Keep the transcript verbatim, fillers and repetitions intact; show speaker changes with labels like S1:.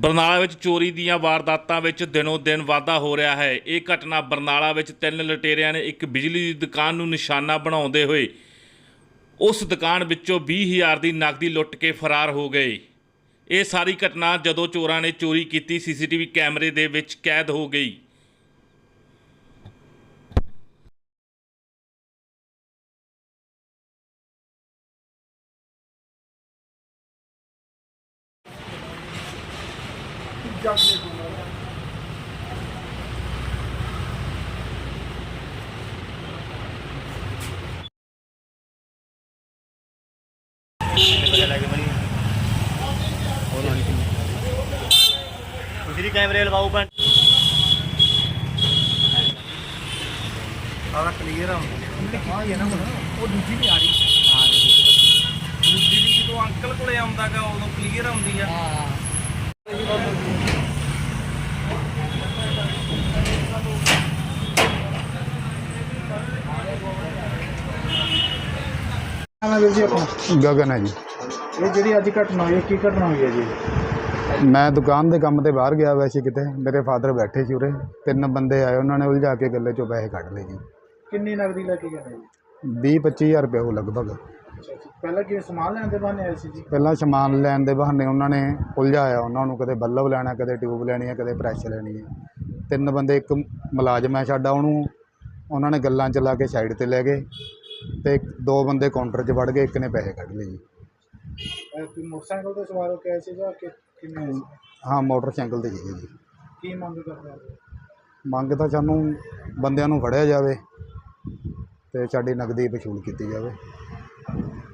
S1: ਬਰਨਾਲਾ ਵਿੱਚ ਚੋਰੀ ਦੀਆਂ ਵਾਰਦਾਤਾਂ ਵਿੱਚ ਦਿਨੋਂ ਦਿਨ ਵਾਧਾ ਹੋ ਰਿਹਾ ਹੈ। ਇਹ ਘਟਨਾ ਬਰਨਾਲਾ ਵਿੱਚ ਤਿੰਨ ਲੁਟੇਰਿਆਂ ਨੇ ਇੱਕ ਬਿਜਲੀ ਦੀ ਦੁਕਾਨ ਨੂੰ ਨਿਸ਼ਾਨਾ ਬਣਾਉਂਦੇ ਹੋਏ ਉਸ ਦੁਕਾਨ ਵਿੱਚੋਂ ਵੀਹ ਹਜ਼ਾਰ ਦੀ ਨਕਦੀ ਲੁੱਟ ਕੇ ਫਰਾਰ ਹੋ ਗਏ। ਇਹ ਸਾਰੀ ਘਟਨਾ ਜਦੋਂ ਚੋਰਾਂ ਨੇ ਚੋਰੀ ਕੀਤੀ ਸੀਸੀਟੀਵੀ ਕੈਮਰੇ ਦੇ ਵਿੱਚ ਕੈਦ ਹੋ ਗਈ।
S2: दूसरी कैमरे लगाओ पर
S3: सारा क्लियर है। हाँ ये ना वो दूसरी भी आ रही हाँ दूसरी भी जो अंकल को आंदा गा उदों क्लियर आउंदी है।
S4: गगन है जी।
S3: ये जी अज घटना हुई की घटना हुई है जी?
S4: मैं दुकान के काम ते बाहर गया वैसे किते मेरे फादर बैठे सी उरे तीन बंदे आए उन्होंने उलझा के गले चो पैसे कढ़ ले जी।
S3: किन्नी नगदी लेके गए जी?
S4: बीस पच्ची हज़ार रुपये हो लगभग।
S3: पहले कि समान लैन दे बहाने आए सी जी?
S4: पहला समान लैन दे बहाने उन्होंने उलझाया उन्होंने कदे बल्ब लैना कदे ट्यूब लैनी है कदे प्रैश लैनी है। तीन बंदे एक मुलाजम है साडा उन्होंने उन्होंने गल्लां चला के साइड ते लै गए ते दो बंदे काउंटर च वड़ गए एक ने पैसे कढ़ ले जी।
S3: मोटरसाइकिल तो सवार हो के आए सी जां कि किन्ने?
S4: हाँ मोटरसाइकिल ते सीगे जी।
S3: की मंग करदे हो?
S4: मंग तां सानूं बंदियां नूं फड़िया जावे ते साडी नगदी वसूल कीती जावे।